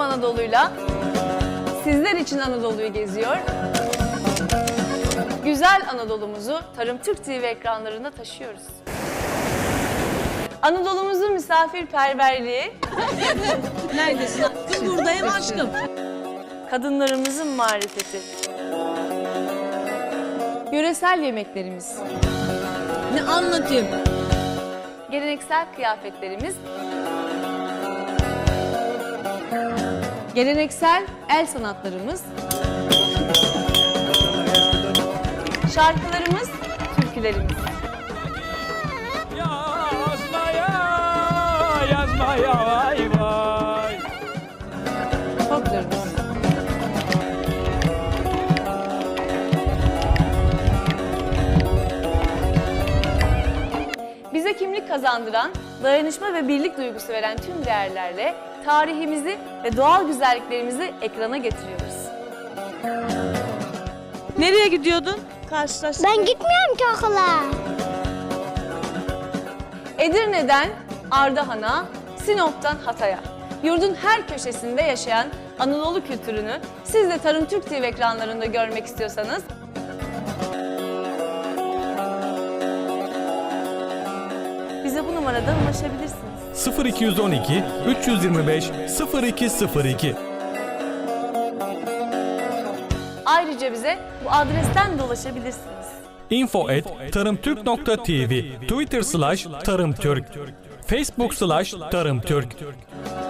Anadolu'yla sizler için Anadolu'yu geziyor. Güzel Anadolu'muzu Tarım Türk TV ekranlarında taşıyoruz. Anadolu'muzun misafirperverliği, Neredesin? Buradayım aşkım. kadınlarımızın marifeti, yöresel yemeklerimiz, Ne anlatayım? geleneksel kıyafetlerimiz, geleneksel el sanatlarımız, şarkılarımız, türkülerimiz. Yazmaya vay vay. Folklorumuz. Bize kimlik kazandıran, dayanışma ve birlik duygusu veren tüm değerlerle tarihimizi ve doğal güzelliklerimizi ekrana getiriyoruz. Nereye gidiyordun? Karşılaştık. Ben gitmiyorum ki okula. Edirne'den Ardahan'a, Sinop'tan Hatay'a, yurdun her köşesinde yaşayan Anadolu kültürünü siz de Tarım Türk TV ekranlarında görmek istiyorsanız bize bu numaradan ulaşabilirsiniz. 0212 325 0202. Ayrıca bize bu adresten de ulaşabilirsiniz. info@tarımtürk.tv, Twitter/tarımtürk, Facebook/tarımtürk.